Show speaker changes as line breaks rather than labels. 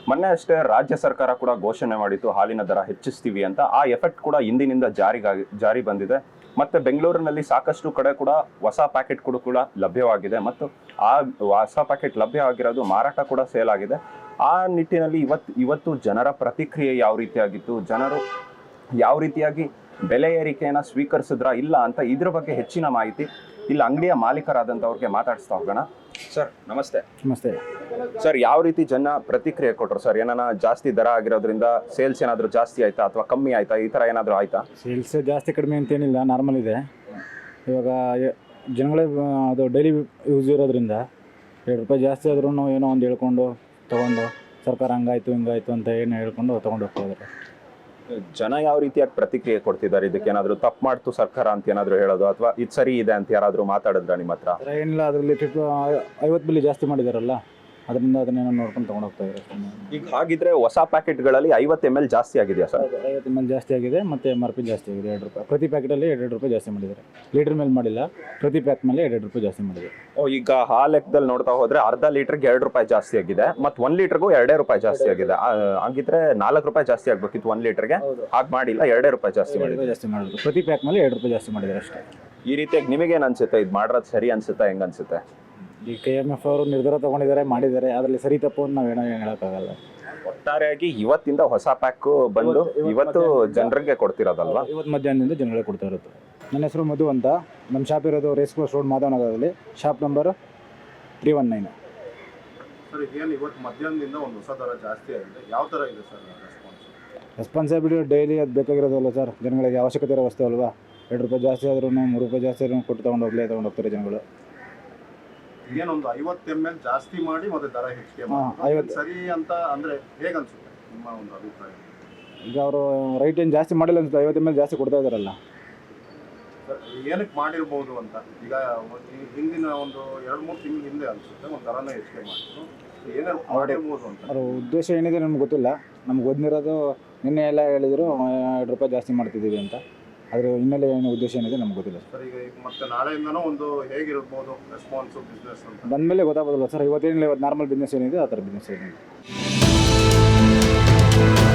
ಮೊನ್ನೆ ಅಷ್ಟೇ ರಾಜ್ಯ ಸರ್ಕಾರ ಕೂಡ ಘೋಷಣೆ ಮಾಡಿತ್ತು ಹಾಲಿನ ದರ ಹೆಚ್ಚಿಸ್ತೀವಿ ಅಂತ. ಆ ಎಫೆಕ್ಟ್ ಕೂಡ ಇಂದಿನಿಂದ ಜಾರಿ ಬಂದಿದೆ. ಮತ್ತೆ ಬೆಂಗಳೂರಿನಲ್ಲಿ ಸಾಕಷ್ಟು ಕಡೆ ಕೂಡ ಹೊಸ ಪ್ಯಾಕೆಟ್ ಕೂಡ ಲಭ್ಯವಾಗಿದೆ ಮತ್ತು ಆ ಹೊಸ ಪ್ಯಾಕೆಟ್ ಲಭ್ಯವಾಗಿರೋದು ಮಾರಾಟ ಕೂಡ ಸೇಲ್ ಆಗಿದೆ. ಆ ನಿಟ್ಟಿನಲ್ಲಿ ಇವತ್ತು ಜನರ ಪ್ರತಿಕ್ರಿಯೆ ಯಾವ ರೀತಿಯಾಗಿತ್ತು, ಜನರು ಯಾವ ರೀತಿಯಾಗಿ ಬೆಲೆ ಏರಿಕೆಯನ್ನ ಸ್ವೀಕರಿಸಿದ್ರ ಇಲ್ಲ ಅಂತ ಇದ್ರ ಬಗ್ಗೆ ಹೆಚ್ಚಿನ ಮಾಹಿತಿ ಇಲ್ಲಿ ಅಂಗಡಿಯ ಮಾಲೀಕರಾದಂಥವ್ರಿಗೆ ಮಾತಾಡಿಸ್ತಾ ಹೋಗೋಣ. ಸರ್ ನಮಸ್ತೆ.
ನಮಸ್ತೆ
ಸರ್, ಯಾವ ರೀತಿ ಜನ ಪ್ರತಿಕ್ರಿಯೆ ಕೊಟ್ಟರು ಸರ್? ಏನಾನ ಜಾಸ್ತಿ ದರ ಆಗಿರೋದ್ರಿಂದ ಸೇಲ್ಸ್ ಏನಾದರೂ ಜಾಸ್ತಿ ಆಯ್ತಾ ಅಥವಾ ಕಮ್ಮಿ ಆಯ್ತಾ, ಈ ಥರ ಏನಾದರೂ ಆಯ್ತಾ?
ಸೇಲ್ಸ್ ಜಾಸ್ತಿ ಕಡಿಮೆ ಅಂತೇನಿಲ್ಲ, ನಾರ್ಮಲ್ ಇದೆ. ಇವಾಗ ಜನಗಳೇ ಅದು ಡೈಲಿ ಯೂಸ್ ಇರೋದ್ರಿಂದ ₹2 ಜಾಸ್ತಿ ಆದ್ರೂ ಏನೋ ಒಂದು ಹೇಳ್ಕೊಂಡು ತೊಗೊಂಡು ಸರ್ಕಾರ ಹಂಗಾಯ್ತು ಹಿಂಗಾಯ್ತು ಅಂತ ಏನು ಹೇಳ್ಕೊಂಡು ತೊಗೊಂಡು ಹೋಗ್ತಾ ಇದ್ದಾರೆ.
ಜನ ಯಾವ ರೀತಿಯಾಗಿ ಪ್ರತಿಕ್ರಿಯೆ ಕೊಡ್ತಿದ್ದಾರೆ? ಇದಕ್ಕೆ ಏನಾದರೂ ತಪ್ಪು ಮಾಡ್ತು ಸರ್ಕಾರ ಅಂತ ಏನಾದರೂ ಹೇಳೋದು ಅಥವಾ ಇದು ಸರಿ ಇದೆ ಅಂತ ಯಾರಾದರೂ ಮಾತಾಡಿದ್ರ ನಿಮ್ಮ ಹತ್ರ?
ಏನಿಲ್ಲ, ಅದರಲ್ಲಿ 50 ಬಿಲ್ಲಿ ಜಾಸ್ತಿ ಮಾಡಿದಾರಲ್ಲ, ಅದರಿಂದ ಅದನ್ನೇನೋ ನೋಡ್ಕೊಂಡು ತೊಗೊಂಡು ಹೋಗ್ತಾ ಇದ್ದಾರೆ.
ಈಗ ಹಾಗಿದ್ರೆ ಹೊಸ ಪ್ಯಾಕೆಟ್ಗಳಲ್ಲಿ 50 ml ಜಾಸ್ತಿ ಆಗಿದೆಯಾ ಸರ್?
50 ml ಜಾಸ್ತಿ ಆಗಿದೆ ಮತ್ತು MRP ಜಾಸ್ತಿ ಆಗಿದೆ. ₹2 ಪ್ರತಿ ಪ್ಯಾಕೆಟಲ್ಲಿ ₹2 ಜಾಸ್ತಿ ಮಾಡಿದ್ದಾರೆ. ಲೀಟ್ರ್ ಮೇಲೆ ಮಾಡಿಲ್ಲ, ಪ್ರತಿ ಪ್ಯಾಕ್ ಮೇಲೆ ₹2 ಜಾಸ್ತಿ ಮಾಡಿದ್ದಾರೆ.
ಈಗ ಆ ಲೆಕ್ಕದಲ್ಲಿ ನೋಡ್ತಾ ಹೋದ್ರೆ ಅರ್ಧ ಲೀಟರ್ಗೆ ₹2 ಜಾಸ್ತಿ ಆಗಿದೆ ಮತ್ತು 1 ಲೀಟರ್ಗೂ ₹2 ಜಾಸ್ತಿ ಆಗಿದೆ. ಹಾಗಿದ್ರೆ ₹4 ಜಾಸ್ತಿ ಆಗ್ಬೇಕಿತ್ತು 1 ಲೀಟರ್ಗೆ, ಹಾಗೆ ಮಾಡಿಲ್ಲ, ₹2 ಜಾಸ್ತಿ
ಮಾಡಿದ್ರು. ಪ್ರತಿ ಪ್ಯಾಕ್ ಮೇಲೆ ₹2 ಜಾಸ್ತಿ ಮಾಡಿದ್ದಾರೆ ಅಷ್ಟೇ.
ಈ ರೀತಿಯಾಗಿ ನಿಮಗೇನು ಅನ್ಸುತ್ತೆ? ಇದು ಮಾಡೋದು ಸರಿ ಅನ್ಸುತ್ತಾ, ಹೆಂಗ ಅನ್ಸುತ್ತೆ?
ಈ KMF ಅವರು ನಿರ್ಧಾರ ತಗೊಂಡಿದ್ದಾರೆ, ಮಾಡಿದ್ದಾರೆ. ಅದರಲ್ಲಿ ಸರಿ ತಪ್ಪು ಅಂತ ನಾವೇನೋ ಹೇಳೋಕ್ಕಾಗಲ್ಲ.
ಒಟ್ಟಾರೆಯಾಗಿ ಇವತ್ತಿಂದ ಹೊಸ ಪ್ಯಾಕ್ ಬಂದು ಇವತ್ತು ಜನರಿಗೆ ಕೊಡ್ತಿರೋದಲ್ವಾ?
ಇವತ್ತು ಮಧ್ಯಾಹ್ನದಿಂದ ಜನಗಳಿಗೆ ಕೊಡ್ತಾ ಇರುತ್ತೆ. ನನ್ನ ಹೆಸರು ಮಧು ಅಂತ. ನಮ್ಮ ಶಾಪ್ ಇರೋದು ರೇಸ್ ಕೋರ್ಸ್ ರೋಡ್ ಮಾಧವನಗರದಲ್ಲಿ, ಶಾಪ್ ನಂಬರ್ 319.
ಸರ್, ಏನು ಇವತ್ತು ಮಧ್ಯಾಹ್ನದಿಂದ ಒಂದು ಹೊಸ ದರ ಜಾಸ್ತಿ ಆಗಿದೆ, ಯಾವ ಥರ ಇದೆ ಸರ್
ರೆಸ್ಪಾನ್ಸಿಬಿಲಿಟಿ? ಡೈಲಿ ಅದು ಬೇಕಾಗಿರೋದಲ್ಲ ಸರ್, ಜನಗಳಿಗೆ ಅವಶ್ಯಕತೆ ಇರೋ ವಸ್ತು ಅಲ್ವಾ. ₹2 ಜಾಸ್ತಿ ಆದ್ರೂ ₹3 ಜಾಸ್ತಿ ಆದ್ರೂ ಕೊಟ್ಟು ತೊಗೊಂಡೋಗ್ತಾರೆ ಜನಗಳು.
ಏನೊಂದು 50 ml ಜಾಸ್ತಿ ಮಾಡಿ ಮತ್ತೆ ದರ ಹೆಚ್ಚಿಗೆ ಮಾಡಿ ಸರಿ ಅಂತ ಅಂದರೆ ಹೇಗೆ ಅನ್ಸುತ್ತೆ ನಿಮ್ಮ ಒಂದು ಅಭಿಪ್ರಾಯ?
ಈಗ ಅವರು ರೈಟ್ ಏನು ಜಾಸ್ತಿ ಮಾಡಿಲ್ಲ ಅನ್ಸುತ್ತೆ, 50 ml ಜಾಸ್ತಿ ಕೊಡ್ತಾ ಇದ್ದಾರಲ್ಲ.
ಏನಕ್ಕೆ ಮಾಡಿರ್ಬೋದು ಅಂತ ಈಗ ಹಿಂದಿನ ಒಂದು 2-3 ತಿಂಗಳ ಹಿಂದೆ ಅನ್ಸುತ್ತೆ ಒಂದು ದರನ ಹೆಚ್ಚಿಗೆ ಮಾಡಿದ್ರು, ಏನಾದ್ರು ಮಾಡಿರ್ಬೋದು ಅಂತ. ಅವ್ರ
ಉದ್ದೇಶ ಏನಿದೆ ನಮ್ಗೆ ಗೊತ್ತಿಲ್ಲ. ನಮ್ಗೆ ಗೊತ್ತಿರೋದು ನಿನ್ನೆ ಎಲ್ಲ ಹೇಳಿದ್ರು ₹2 ಜಾಸ್ತಿ ಮಾಡ್ತಿದ್ದೀವಿ ಅಂತ. ಅದರ ಹಿನ್ನೆಲೆ ಏನು ಉದ್ದೇಶ ಏನಿದೆ ನಮ್ಗೆ ಗೊತ್ತಿಲ್ಲ
ಸರ್. ಈಗ ಮತ್ತೆ ನಾಳೆಯಿಂದನೂ ಒಂದು ಹೇಗಿರ್ಬೋದು ರೆಸ್ಪಾನ್ಸು ಬಿಸ್ನೆಸ್ ಅಂತ
ಬಂದಮೇಲೆ ಗೊತ್ತಾಗೋದಿಲ್ಲ ಸರ್. ಇವತ್ತೇನಿಲ್ಲ, ಇವತ್ತು ನಾರ್ಮಲ್ ಬಿಸ್ನೆಸ್ ಏನಿದೆ ಆ ಥರ ಬಿಸ್ನೆಸ್ ಏನಿದೆ.